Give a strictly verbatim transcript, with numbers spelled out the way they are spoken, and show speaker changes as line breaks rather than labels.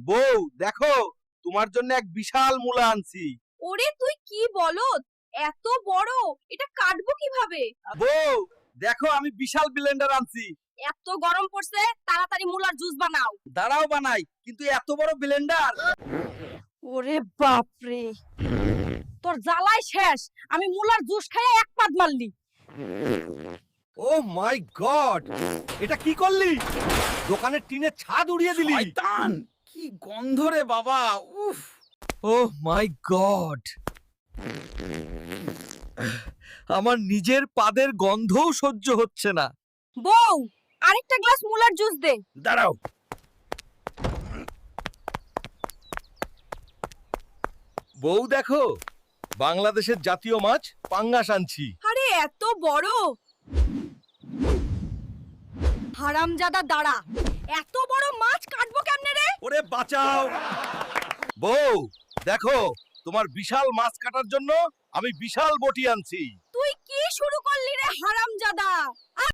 বউ দেখো, তোমার জন্য এক বিশাল মূলা আনছি।
ওরে তুই কি বলত, এত বড়, এটা কাটবো কিভাবে?
বউ দেখো, আমি বিশাল ব্লেন্ডার আনছি।
এত গরম পড়ছে, তাড়াতাড়ি মুলার জুস বানাও।
দাঁড়াও বানাই, কিন্তু এত বড় ব্লেন্ডার।
ওরে বাপ রে, তোর জ্বালাই শেষ। আমি মুলার জুস খাইয়ে এক পাদ মারলি।
ও মাই গড, এটা কি করলি? দোকানের টিনের ছাদ উড়িয়ে দিলি।
শয়তান, কি গন্ধ রে বাবা, উফ।
ও মাই গড, আমার নিজের পাদের গন্ধও সহ্য হচ্ছে না।
বউ, আরেকটা গ্লাস মুলার জুস দে।
দাঁড়াও। বউ দেখো, বাংলাদেশের জাতীয় মাছ পাঙ্গাস আনছি।
আরে এত বড়! হারামজাদা দাঁড়া, এত বড় মাছ কাটবো কেমনে রে?
ওরে বাঁচাও। বউ দেখো, তোমার বিশাল মাছ কাটার জন্য আমি বিশাল বটি আনছি।
তুই কি শুরু করলি রে হারামজাদা?